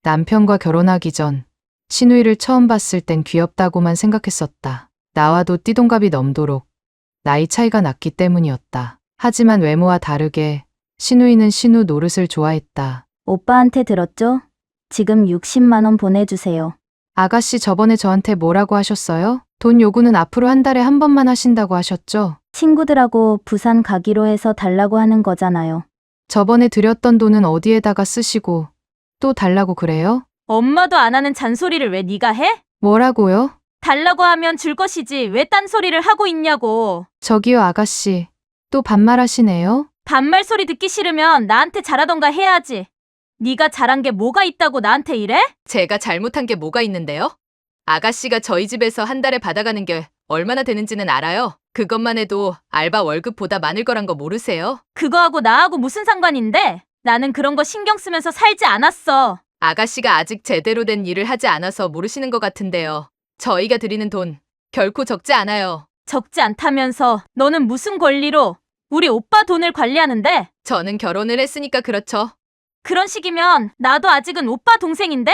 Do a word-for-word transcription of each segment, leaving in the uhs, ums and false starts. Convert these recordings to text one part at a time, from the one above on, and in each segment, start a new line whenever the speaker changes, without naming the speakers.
남편과 결혼하기 전 신우이를 처음 봤을 땐 귀엽다고만 생각했었다. 나와도 띠동갑이 넘도록 나이 차이가 났기 때문이었다. 하지만 외모와 다르게 신우이는 신우 노릇을 좋아했다.
오빠한테 들었죠? 지금 육십만 원 보내주세요.
아가씨 저번에 저한테 뭐라고 하셨어요? 돈 요구는 앞으로 한 달에 한 번만 하신다고 하셨죠?
친구들하고 부산 가기로 해서 달라고 하는 거잖아요.
저번에 드렸던 돈은 어디에다가 쓰시고 또 달라고 그래요?
엄마도 안 하는 잔소리를 왜 네가 해?
뭐라고요?
달라고 하면 줄 것이지 왜 딴소리를 하고 있냐고.
저기요 아가씨, 또 반말하시네요?
반말 소리 듣기 싫으면 나한테 잘하던가 해야지. 네가 잘한 게 뭐가 있다고 나한테 이래?
제가 잘못한 게 뭐가 있는데요? 아가씨가 저희 집에서 한 달에 받아가는 게 얼마나 되는지는 알아요? 그것만 해도 알바 월급보다 많을 거란 거 모르세요?
그거하고 나하고 무슨 상관인데? 나는 그런 거 신경 쓰면서 살지 않았어.
아가씨가 아직 제대로 된 일을 하지 않아서 모르시는 것 같은데요. 저희가 드리는 돈 결코 적지 않아요.
적지 않다면서 너는 무슨 권리로 우리 오빠 돈을 관리하는데?
저는 결혼을 했으니까 그렇죠.
그런 식이면 나도 아직은 오빠 동생인데?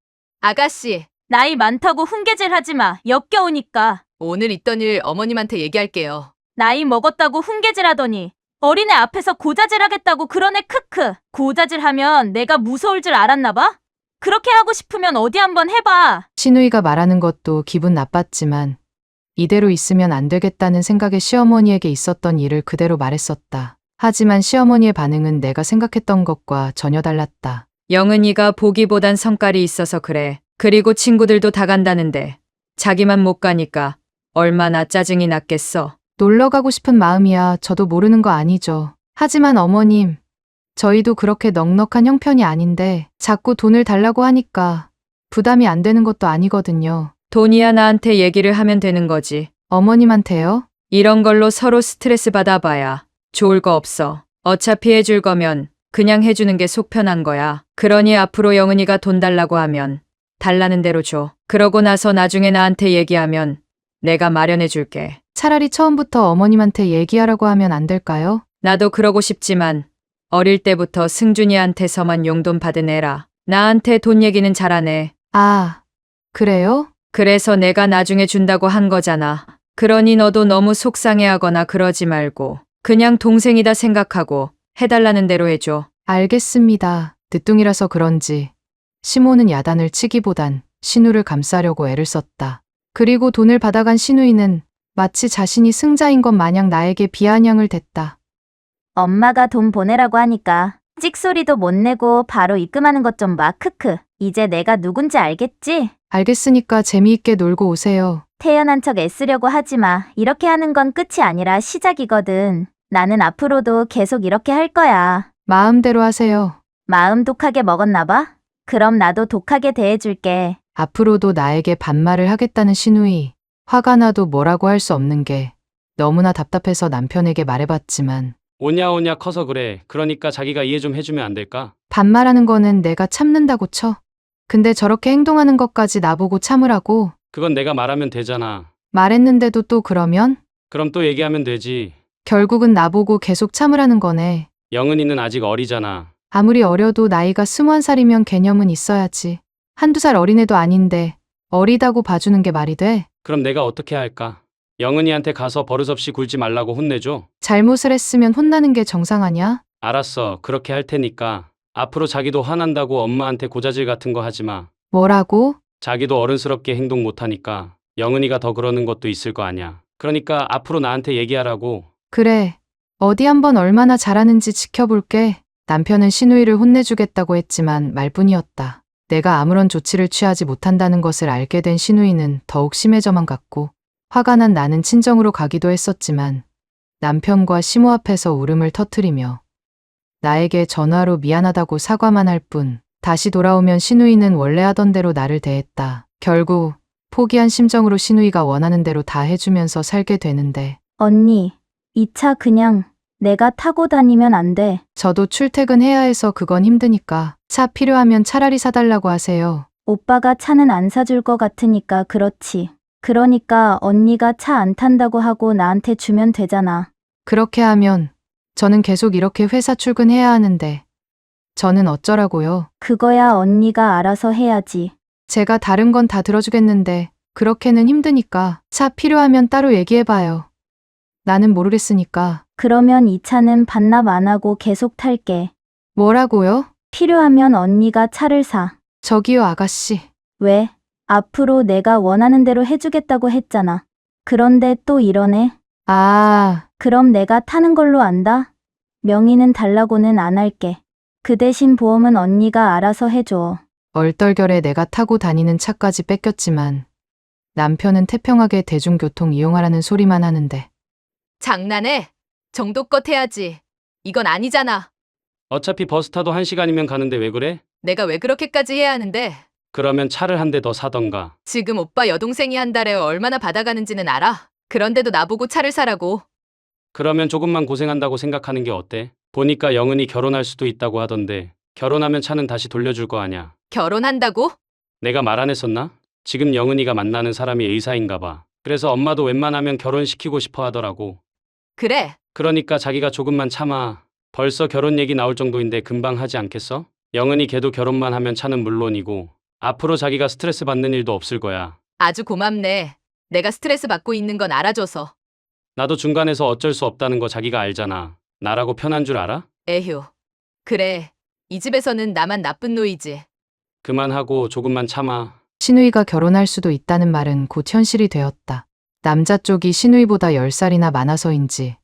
아가씨,
나이 많다고 훈계질 하지 마. 역겨우니까.
오늘 있던 일 어머님한테 얘기할게요.
나이 먹었다고 훈계질 하더니 어린애 앞에서 고자질 하겠다고 그러네. 크크. 고자질 하면 내가 무서울 줄 알았나 봐? 그렇게 하고 싶으면 어디 한번 해봐.
신우이가 말하는 것도 기분 나빴지만 이대로 있으면 안 되겠다는 생각에 시어머니에게 있었던 일을 그대로 말했었다. 하지만 시어머니의 반응은 내가 생각했던 것과 전혀 달랐다.
영은이가 보기보단 성깔이 있어서 그래. 그리고 친구들도 다 간다는데 자기만 못 가니까 얼마나 짜증이 났겠어.
놀러 가고 싶은 마음이야 저도 모르는 거 아니죠. 하지만 어머님, 저희도 그렇게 넉넉한 형편이 아닌데 자꾸 돈을 달라고 하니까 부담이 안 되는 것도 아니거든요.
돈이야 나한테 얘기를 하면 되는 거지.
어머님한테요?
이런 걸로 서로 스트레스 받아봐야 좋을 거 없어. 어차피 해줄 거면 그냥 해주는 게 속 편한 거야. 그러니 앞으로 영은이가 돈 달라고 하면 달라는 대로 줘. 그러고 나서 나중에 나한테 얘기하면 내가 마련해 줄게.
차라리 처음부터 어머님한테 얘기하라고 하면 안 될까요?
나도 그러고 싶지만 어릴 때부터 승준이한테서만 용돈 받은 애라. 나한테 돈 얘기는 잘하네.
아, 그래요?
그래서 내가 나중에 준다고 한 거잖아. 그러니 너도 너무 속상해하거나 그러지 말고 그냥 동생이다 생각하고 해달라는 대로 해줘.
알겠습니다. 늦둥이라서 그런지 시모는 야단을 치기보단 신우를 감싸려고 애를 썼다. 그리고 돈을 받아간 신우이는 마치 자신이 승자인 것 마냥 나에게 비아냥을 댔다.
엄마가 돈 보내라고 하니까 찍소리도 못 내고 바로 입금하는 것 좀 봐. 크크. 이제 내가 누군지 알겠지?
알겠으니까 재미있게 놀고 오세요.
태연한 척 애쓰려고 하지 마. 이렇게 하는 건 끝이 아니라 시작이거든. 나는 앞으로도 계속 이렇게 할 거야.
마음대로 하세요.
마음 독하게 먹었나 봐? 그럼 나도 독하게 대해줄게.
앞으로도 나에게 반말을 하겠다는 신우이. 화가 나도 뭐라고 할 수 없는 게 너무나 답답해서 남편에게 말해봤지만
오냐오냐 커서 그래. 그러니까 자기가 이해 좀 해주면 안 될까?
반말하는 거는 내가 참는다고 쳐. 근데 저렇게 행동하는 것까지 나보고 참으라고?
그건 내가 말하면 되잖아.
말했는데도 또 그러면?
그럼 또 얘기하면 되지.
결국은 나보고 계속 참으라는 거네.
영은이는 아직 어리잖아.
아무리 어려도 나이가 스무한 살이면 개념은 있어야지. 한두 살 어린애도 아닌데 어리다고 봐주는 게 말이 돼?
그럼 내가 어떻게 할까? 영은이한테 가서 버릇없이 굴지 말라고 혼내줘.
잘못을 했으면 혼나는 게 정상 아냐?
알았어. 그렇게 할 테니까. 앞으로 자기도 화난다고 엄마한테 고자질 같은 거 하지 마.
뭐라고?
자기도 어른스럽게 행동 못하니까 영은이가 더 그러는 것도 있을 거 아냐. 그러니까 앞으로 나한테 얘기하라고.
그래. 어디 한번 얼마나 잘하는지 지켜볼게. 남편은 신우이를 혼내주겠다고 했지만 말뿐이었다. 내가 아무런 조치를 취하지 못한다는 것을 알게 된 신우이는 더욱 심해져만 갔고 화가 난 나는 친정으로 가기도 했었지만 남편과 시모 앞에서 울음을 터뜨리며 나에게 전화로 미안하다고 사과만 할 뿐 다시 돌아오면 신우이는 원래 하던 대로 나를 대했다. 결국 포기한 심정으로 신우이가 원하는 대로 다 해주면서 살게 되는데
언니, 이 차 그냥 내가 타고 다니면 안 돼.
저도 출퇴근해야 해서 그건 힘드니까 차 필요하면 차라리 사달라고 하세요.
오빠가 차는 안 사줄 것 같으니까 그렇지. 그러니까 언니가 차 안 탄다고 하고 나한테 주면 되잖아.
그렇게 하면 저는 계속 이렇게 회사 출근해야 하는데 저는 어쩌라고요?
그거야 언니가 알아서 해야지.
제가 다른 건 다 들어주겠는데 그렇게는 힘드니까 차 필요하면 따로 얘기해봐요. 나는 모르겠으니까.
그러면 이 차는 반납 안 하고 계속 탈게.
뭐라고요?
필요하면 언니가 차를 사.
저기요 아가씨.
왜? 앞으로 내가 원하는 대로 해주겠다고 했잖아. 그런데 또 이러네.
아,
그럼 내가 타는 걸로 안다? 명의는 달라고는 안 할게. 그 대신 보험은 언니가 알아서 해줘.
얼떨결에 내가 타고 다니는 차까지 뺏겼지만 남편은 태평하게 대중교통 이용하라는 소리만 하는데
장난해? 정도껏 해야지. 이건 아니잖아.
어차피 버스 타도 한 시간이면 가는데 왜 그래?
내가 왜 그렇게까지 해야 하는데?
그러면 차를 한 대 더 사던가.
지금 오빠 여동생이 한 달에 얼마나 받아가는지는 알아? 그런데도 나보고 차를 사라고.
그러면 조금만 고생한다고 생각하는 게 어때? 보니까 영은이 결혼할 수도 있다고 하던데 결혼하면 차는 다시 돌려줄 거 아냐.
결혼한다고?
내가 말 안 했었나? 지금 영은이가 만나는 사람이 의사인가 봐. 그래서 엄마도 웬만하면 결혼시키고 싶어 하더라고.
그래.
그러니까 자기가 조금만 참아. 벌써 결혼 얘기 나올 정도인데 금방 하지 않겠어? 영은이 걔도 결혼만 하면 차는 물론이고 앞으로 자기가 스트레스 받는 일도 없을 거야.
아주 고맙네. 내가 스트레스 받고 있는 건 알아줘서.
나도 중간에서 어쩔 수 없다는 거 자기가 알잖아. 나라고 편한 줄 알아?
에휴. 그래. 이 집에서는 나만 나쁜 노이지.
그만하고 조금만 참아.
신우이가 결혼할 수도 있다는 말은 곧 현실이 되었다. 남자 쪽이 신우이보다 열 살이나 많아서인지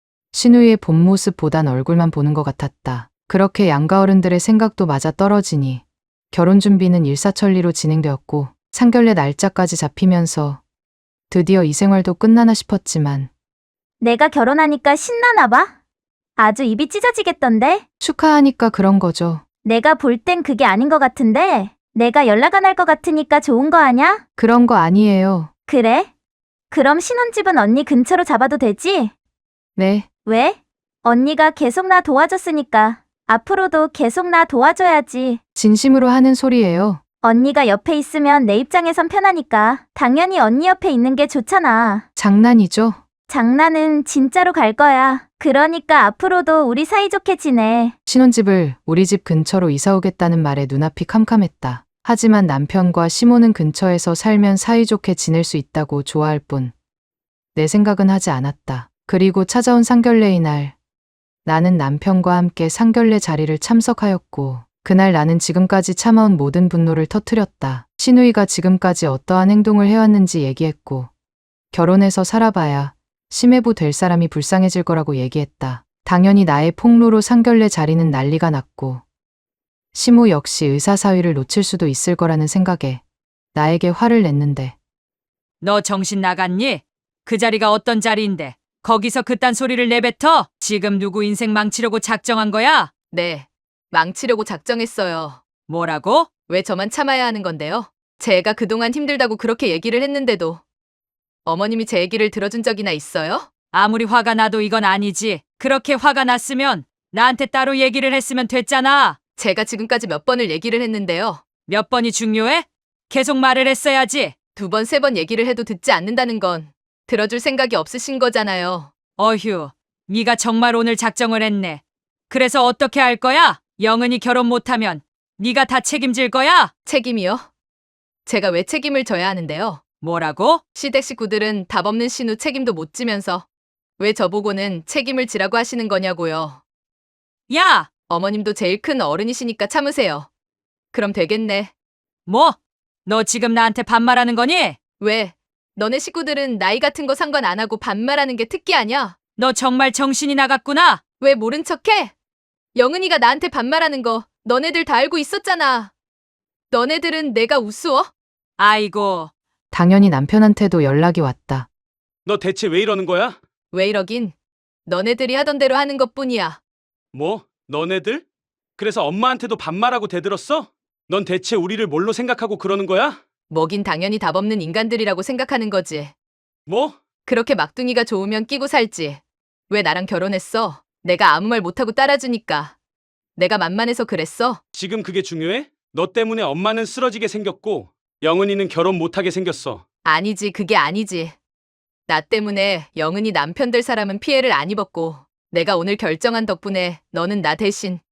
신우이의 본 모습보단 얼굴만 보는 것 같았다. 그렇게 양가 어른들의 생각도 맞아 떨어지니 결혼 준비는 일사천리로 진행되었고 상견례 날짜까지 잡히면서 드디어 이 생활도 끝나나 싶었지만
내가 결혼하니까 신나나 봐? 아주 입이 찢어지겠던데?
축하하니까 그런 거죠.
내가 볼 땐 그게 아닌 것 같은데? 내가 연락 안 할 것 같으니까 좋은 거 아냐?
그런 거 아니에요.
그래? 그럼 신혼집은 언니 근처로 잡아도 되지?
네,
왜? 언니가 계속 나 도와줬으니까 앞으로도 계속 나 도와줘야지.
진심으로 하는 소리예요.
언니가 옆에 있으면 내 입장에선 편하니까 당연히 언니 옆에 있는 게 좋잖아.
장난이죠?
장난은 진짜로 갈 거야. 그러니까 앞으로도 우리 사이좋게 지내.
신혼집을 우리 집 근처로 이사 오겠다는 말에 눈앞이 캄캄했다. 하지만 남편과 시모는 근처에서 살면 사이좋게 지낼 수 있다고 좋아할 뿐 내 생각은 하지 않았다. 그리고 찾아온 상견례의 날 나는 남편과 함께 상견례 자리를 참석하였고 그날 나는 지금까지 참아온 모든 분노를 터뜨렸다. 신우이가 지금까지 어떠한 행동을 해왔는지 얘기했고 결혼해서 살아봐야 심해부 될 사람이 불쌍해질 거라고 얘기했다. 당연히 나의 폭로로 상견례 자리는 난리가 났고 시모 역시 의사 사위를 놓칠 수도 있을 거라는 생각에 나에게 화를 냈는데
너 정신 나갔니? 그 자리가 어떤 자리인데 거기서 그딴 소리를 내뱉어? 지금 누구 인생 망치려고 작정한 거야?
네. 망치려고 작정했어요.
뭐라고?
왜 저만 참아야 하는 건데요? 제가 그동안 힘들다고 그렇게 얘기를 했는데도 어머님이 제 얘기를 들어준 적이나 있어요?
아무리 화가 나도 이건 아니지. 그렇게 화가 났으면 나한테 따로 얘기를 했으면 됐잖아.
제가 지금까지 몇 번을 얘기를 했는데요.
몇 번이 중요해? 계속 말을 했어야지.
두 번, 세 번 얘기를 해도 듣지 않는다는 건 들어줄 생각이 없으신 거잖아요.
어휴, 네가 정말 오늘 작정을 했네. 그래서 어떻게 할 거야? 영은이 결혼 못하면 네가 다 책임질 거야?
책임이요? 제가 왜 책임을 져야 하는데요?
뭐라고?
시댁 식구들은 답 없는 신우 책임도 못 지면서 왜 저보고는 책임을 지라고 하시는 거냐고요.
야!
어머님도 제일 큰 어른이시니까 참으세요. 그럼 되겠네.
뭐? 너 지금 나한테 반말하는 거니?
왜? 너네 식구들은 나이 같은 거 상관 안 하고 반말하는 게 특기 아냐?
너 정말 정신이 나갔구나.
왜 모른 척해? 영은이가 나한테 반말하는 거 너네들 다 알고 있었잖아. 너네들은 내가 우스워?
아이고,
당연히 남편한테도 연락이 왔다.
너 대체 왜 이러는 거야?
왜 이러긴? 너네들이 하던 대로 하는 것뿐이야.
뭐? 너네들? 그래서 엄마한테도 반말하고 대들었어? 넌 대체 우리를 뭘로 생각하고 그러는 거야?
뭐긴 당연히 답 없는 인간들이라고 생각하는 거지.
뭐?
그렇게 막둥이가 좋으면 끼고 살지. 왜 나랑 결혼했어? 내가 아무 말 못하고 따라주니까. 내가 만만해서 그랬어?
지금 그게 중요해? 너 때문에 엄마는 쓰러지게 생겼고 영은이는 결혼 못하게 생겼어.
아니지, 그게 아니지. 나 때문에 영은이 남편 될 사람은 피해를 안 입었고 내가 오늘 결정한 덕분에 너는 나 대신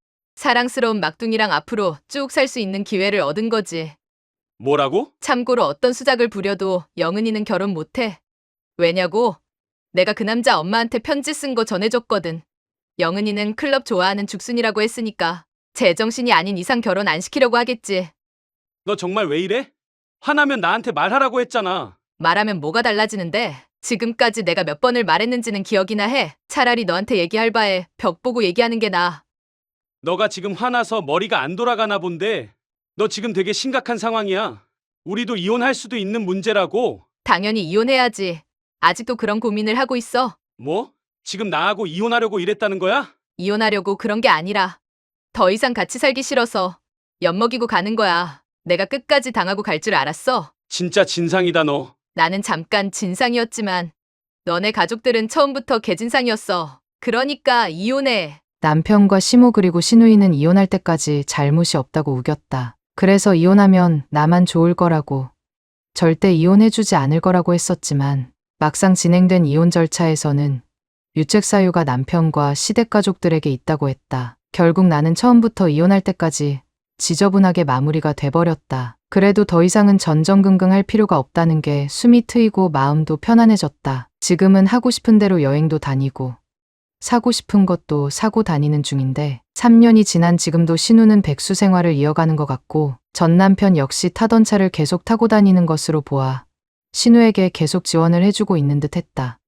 사랑스러운 막둥이랑 앞으로 쭉 살 수 있는 기회를 얻은 거지.
뭐라고?
참고로 어떤 수작을 부려도 영은이는 결혼 못해. 왜냐고? 내가 그 남자 엄마한테 편지 쓴 거 전해줬거든. 영은이는 클럽 좋아하는 죽순이라고 했으니까 제정신이 아닌 이상 결혼 안 시키려고 하겠지.
너 정말 왜 이래? 화나면 나한테 말하라고 했잖아.
말하면 뭐가 달라지는데? 지금까지 내가 몇 번을 말했는지는 기억이나 해. 차라리 너한테 얘기할 바에 벽 보고 얘기하는 게 나아.
너가 지금 화나서 머리가 안 돌아가나 본데 너 지금 되게 심각한 상황이야. 우리도 이혼할 수도 있는 문제라고.
당연히 이혼해야지. 아직도 그런 고민을 하고 있어.
뭐? 지금 나하고 이혼하려고 이랬다는 거야?
이혼하려고 그런 게 아니라 더 이상 같이 살기 싫어서 엿먹이고 가는 거야. 내가 끝까지 당하고 갈 줄 알았어.
진짜 진상이다 너.
나는 잠깐 진상이었지만 너네 가족들은 처음부터 개진상이었어. 그러니까 이혼해.
남편과 시모 그리고 신우이는 이혼할 때까지 잘못이 없다고 우겼다. 그래서 이혼하면 나만 좋을 거라고, 절대 이혼해주지 않을 거라고 했었지만 막상 진행된 이혼 절차에서는 유책 사유가 남편과 시댁 가족들에게 있다고 했다. 결국 나는 처음부터 이혼할 때까지 지저분하게 마무리가 돼버렸다. 그래도 더 이상은 전전긍긍할 필요가 없다는 게 숨이 트이고 마음도 편안해졌다. 지금은 하고 싶은 대로 여행도 다니고 사고 싶은 것도 사고 다니는 중인데 삼 년이 지난 지금도 신우는 백수 생활을 이어가는 것 같고 전 남편 역시 타던 차를 계속 타고 다니는 것으로 보아 신우에게 계속 지원을 해주고 있는 듯 했다.